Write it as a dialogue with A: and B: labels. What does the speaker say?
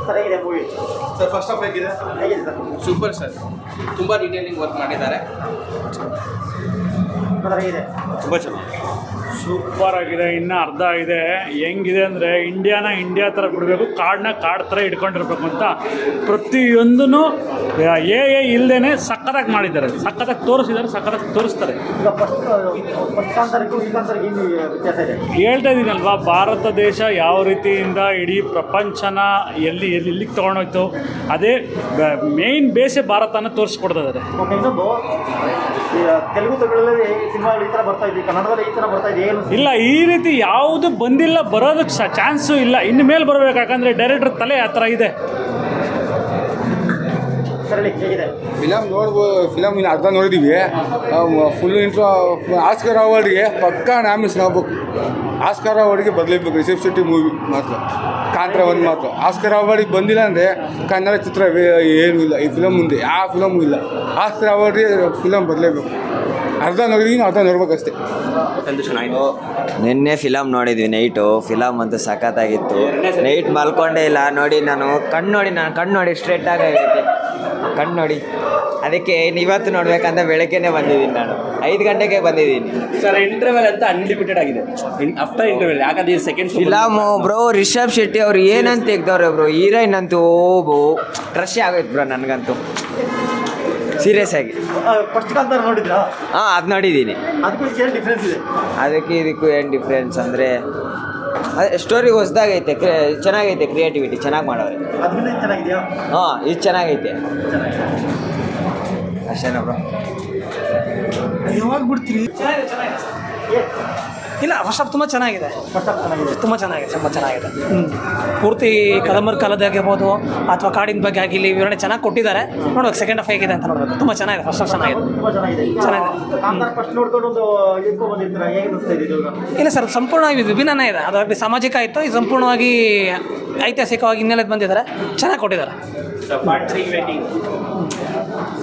A: Sir ಹೇಗಿದೆ movie?
B: Sir first half ಹೇಗಿದೆ?
A: ಹೇಗಿದೆ ಸರ್?
C: ಸೂಪರ್ ಸರ್, ತುಂಬ ಡೀಟೇಲಿಂಗ್ ವರ್ಕ್ ಮಾಡಿದ್ದಾರೆ.
A: ಸರ್ ಹೇಗಿದೆ?
B: ತುಂಬ ಚೆನ್ನಾಗಿ
D: ಸೂಪರ್ ಆಗಿದೆ. ಇನ್ನು ಅರ್ಧ ಇದೆ. ಹೆಂಗಿದೆ ಅಂದರೆ ಇಂಡಿಯಾನ ಇಂಡಿಯಾ ಥರ ಬಿಡಬೇಕು, ಕಾಡನ್ನ ಕಾಡು ಥರ ಇಟ್ಕೊಂಡಿರ್ಬೇಕು ಅಂತ ಪ್ರತಿಯೊಂದೂ ಇಲ್ಲದೇ ಸಕ್ಕತ್ತಾಗಿ ಮಾಡಿದ್ದಾರೆ, ಸಕ್ಕತ್ತಾಗಿ ತೋರಿಸ್ತಾರೆ.
A: ಈಗ ಫಸ್ಟ್ ಕಾಂತಾರಕ್ಕೂ ಈ ಕಾಂತಾರಕ್ಕೆ ಏನು ವ್ಯತ್ಯಾಸ ಇದೆ?
D: ಹೇಳ್ತಾ ಇದ್ದೀನಲ್ವಾ, ಭಾರತ ದೇಶ ಯಾವ ರೀತಿಯಿಂದ ಇಡೀ ಪ್ರಪಂಚನ ಎಲ್ಲಿಗೆ ತೊಗೊಂಡೋಯ್ತು, ಅದೇ ಮೇಯ್ನ್ ಬೇಸೇ ಭಾರತನ ತೋರಿಸ್ಕೊಡ್ತಿದ್ದಾರೆ.
A: ಓಕೆ, ಇನ್ನೊಂದು ತೆಲುಗು ತಮಿಳಲ್ಲಿ ಸಿನಿಮಾಗಳು ಈ ಥರ ಬರ್ತಾ ಇದೆ, ಕನ್ನಡದಲ್ಲಿ ಈ ಥರ ಬರ್ತಾ ಇದೆ, ಏನು
D: ಇಲ್ಲ ಈ ರೀತಿ ಯಾವುದು ಬಂದಿಲ್ಲ, ಬರೋದಕ್ಕೆ ಚಾನ್ಸು ಇಲ್ಲ. ಇನ್ನು ಮೇಲೆ ಬರಬೇಕು, ಯಾಕಂದರೆ ಡೈರೆಕ್ಟರ್ ತಲೆ ಆ ಥರ ಇದೆ.
A: ಹೇಗಿದೆ
E: ಫಿಲಮ್ ಇನ್ನು ಅರ್ಧ ನೋಡಿದ್ದೀವಿ. ಫುಲ್ ಇಂಟ್ರೋ ಆಸ್ಕರ್ ಅವಾರ್ಡ್ಗೆ ಪಕ್ಕಾ ನಾಮಿನೇಷನ್ ಆಗ್ಬೇಕು. ಆಸ್ಕರ್ ಅವಾರ್ಡ್ಗೆ ಬದಲೇಬೇಕು ರಿಷಬ್ ಶೆಟ್ಟಿ ಮೂವಿ ಮಾತ್ರ, ಕಾಂತಾರ ಒಂದು ಮಾತ್ರ. ಆಸ್ಕರ್ ಅವಾರ್ಡಿಗೆ ಬಂದಿಲ್ಲ ಅಂದರೆ ಕನ್ನಡ ಚಿತ್ರ ಏನೂ ಇಲ್ಲ ಈ ಫಿಲಮ್ ಮುಂದೆ, ಯಾವ ಫಿಲಮು ಇಲ್ಲ. ಆಸ್ಕರ್ ಅವಾರ್ಡ್ಗೆ ಫಿಲಮ್ ಬದಲೇಬೇಕು. ಅರ್ಧ ನೋಡಿದೀನಿ, ಅರ್ಧ ನೋಡ್ಬೇಕಷ್ಟೇ.
F: ನಿನ್ನೆ ಫಿಲಮ್ ನೋಡಿದ್ವಿ ನೈಟು. ಫಿಲಮ್ ಅಂತೂ ಸಖತ್ತಾಗಿತ್ತು. ನೈಟ್ ಮಲ್ಕೊಂಡೇ ಇಲ್ಲ ನೋಡಿ. ನಾನು ಕಣ್ಣು ನೋಡಿ ಸ್ಟ್ರೇಟಾಗೈತೆ ಕಣ್ಣು ನೋಡಿ. ಅದಕ್ಕೆ ಇವತ್ತು ನೋಡ್ಬೇಕಂತ ಬೆಳಗ್ಗೆನೇ ಬಂದಿದ್ದೀನಿ. ನಾನು 5 ಗಂಟೆಗೆ ಬಂದಿದ್ದೀನಿ.
C: ಸರ್ ಇಂಟರ್ವೆಲ್ ಅಂತ ಅನ್ಲಿಮಿಟೆಡ್ ಆಗಿದೆ ಆಫ್ಟರ್ ಇಂಟರ್ವೆಲ್, ಯಾಕಂದ್ರೆ second
F: film bro. Rishab Shetty ಅವ್ರು ಏನಂತ ತೆಗ್ದವ್ರೆ ಬ್ರೋ. ಹೀರೋಯಿನ್ ಅಂತೂ ಕ್ರಶ್ ಆಗೋಯ್ತು ಬ್ರೋ ನನಗಂತೂ, ಸೀರಿಯಸ್ ಆಗಿ.
A: ಫಸ್ಟ್ ಕಾಂತಾರ ನೋಡಿದ್ರಾ?
F: ಹಾಂ, ಅದು ನೋಡಿದ್ದೀನಿ.
A: ಅದಕ್ಕೂ ಏನು ಡಿಫ್ರೆನ್ಸ್ ಇದೆ?
F: ಅದಕ್ಕೆ ಇದಕ್ಕೂ ಏನು ಡಿಫ್ರೆನ್ಸ್ ಅಂದರೆ ಸ್ಟೋರಿ ಹೊಸದಾಗೈತೆ, ಚೆನ್ನಾಗೈತೆ, ಕ್ರಿಯೇಟಿವಿಟಿ ಚೆನ್ನಾಗಿ ಮಾಡೋರೆ.
A: ಅದರಿಂದ ಚೆನ್ನಾಗಿದೆಯಾ?
F: ಹಾಂ, ಇದು ಚೆನ್ನಾಗೈತೆ ಅಷ್ಟೇನಾ ಬ್ರೋ?
G: ಯಾವಾಗ ಬಿಡ್ತೀರಿ? ಇಲ್ಲ, ಫಸ್ಟ್ ಆಫ್ ತುಂಬ ಚೆನ್ನಾಗಿದೆ.
A: ಫಸ್ಟ್ ಹಾಫ್ ಚೆನ್ನಾಗಿದೆ.
G: ತುಂಬ ಚೆನ್ನಾಗಿದೆ. ಪೂರ್ತಿ ಕದಂಬರ್ ಕಾಲದಾಗಿರ್ಬೋದು ಅಥವಾ ಕಾಡಿನ ಬಗ್ಗೆ ಆಗಿರಲಿ ವಿವರಣೆ ಚೆನ್ನಾಗಿ ಕೊಟ್ಟಿದ್ದಾರೆ. ನೋಡ್ಬೇಕು ಸೆಕೆಂಡ್ ಹಾಫ್ ಹೇಗಿದೆ ಅಂತ ನೋಡ್ಬೇಕು. ತುಂಬ ಚೆನ್ನಾಗಿದೆ. ಫಸ್ಟ್ ಹಾಫ್ ಚೆನ್ನಾಗಿದೆ.
A: ತುಂಬ ಚೆನ್ನಾಗಿದೆ. ಕಾಂತಾರ ಫಸ್ಟ್ ನೋಡ್ಕೊಂಡು ಒಂದು ಇಟ್ಕೊ ಬಂದಿರ್ತೀರಾ, ಹೇಗೆ ಅನಿಸ್ತಾ ಇದೆ ಇದು?
G: ಇಲ್ಲ ಸರ್, ಸಂಪೂರ್ಣವಾಗಿ ವಿಭಿನ್ನನೇ ಇದೆ. ಅದಾಗಲಿ ಸಾಮಾಜಿಕ ಆಯಿತು, ಇದು ಸಂಪೂರ್ಣವಾಗಿ ಐತಿಹಾಸಿಕವಾಗಿ ಹಿನ್ನೆಲೆ ಬಂದಿದ್ದಾರೆ, ಚೆನ್ನಾಗಿ ಕೊಟ್ಟಿದ್ದಾರೆ.
C: Part 3 waiting.